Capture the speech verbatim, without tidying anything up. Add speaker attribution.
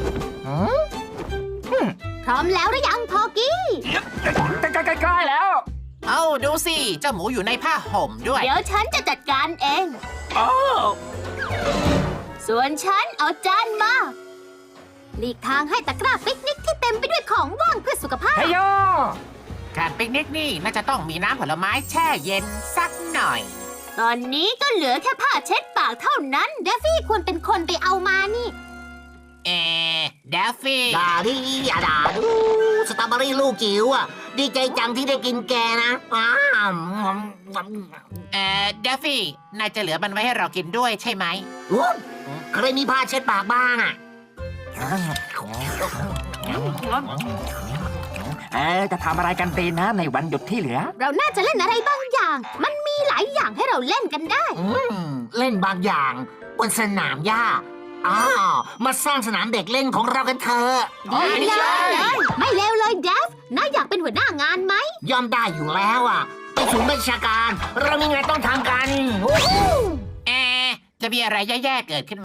Speaker 1: พร้อมแล้วหรือยังพอกี้
Speaker 2: ใกล้ๆแล้ว
Speaker 3: เอ้าดูสิเจ้าหมูอยู่ในผ้าห่มด้วย
Speaker 1: เดี๋ยวฉันจะจัดการเอง
Speaker 2: โอ้
Speaker 1: ส่วนฉันเอาจานมาหลีกทางให้ตะกร้าปิกนิกที่เต็มไปด้วยของว่างเพื่อสุขภาพ
Speaker 2: เฮยโย
Speaker 3: การปิกนิกนี่น่าจะต้องมีน้ำผลไม้แช่เย็นสักหน่อย
Speaker 1: ตอนนี้ก็เหลือแค่ผ้าเช็ดปากเท่านั้นเดฟฟี่ควรเป็นคนไปเอามานี่
Speaker 3: เอเดฟฟี่
Speaker 4: ด่าดิอย่าด่าดูสตรอเบอรี่ลูกจิ๋วอ่ะ ดีใจจังที่ได้กินแกนะอ้าว
Speaker 3: เออเดฟฟี่นายจะเหลือมันไว้ให้เรากินด้วยใช่ไหม
Speaker 4: อุ๊ยใครมีผ้าเช็ดปากบ้างอ่ะ
Speaker 2: เออจะทำอะไรกันดีนะในวันหยุดที่เหลือ
Speaker 1: เราน่าจะเล่นอะไรบางอย่าง มันมีหลายอย่างให้เราเล่นกันได้
Speaker 4: อืมเล่นบางอย่างบนสนามหญ้าอ้าวมาสร้างสนามเด็กเล่นของเรากันเถอะ
Speaker 1: ดีเลยไม่เลวเลยเดฟนายอยากเป็นหัวหน้างานไหม
Speaker 4: ยอมได้อยู่แล้วอ่ะไปถึงบัญชาการ เรามีงานต้องทำกัน
Speaker 3: เอจะมีอะไรแย่ๆเกิดขึ้น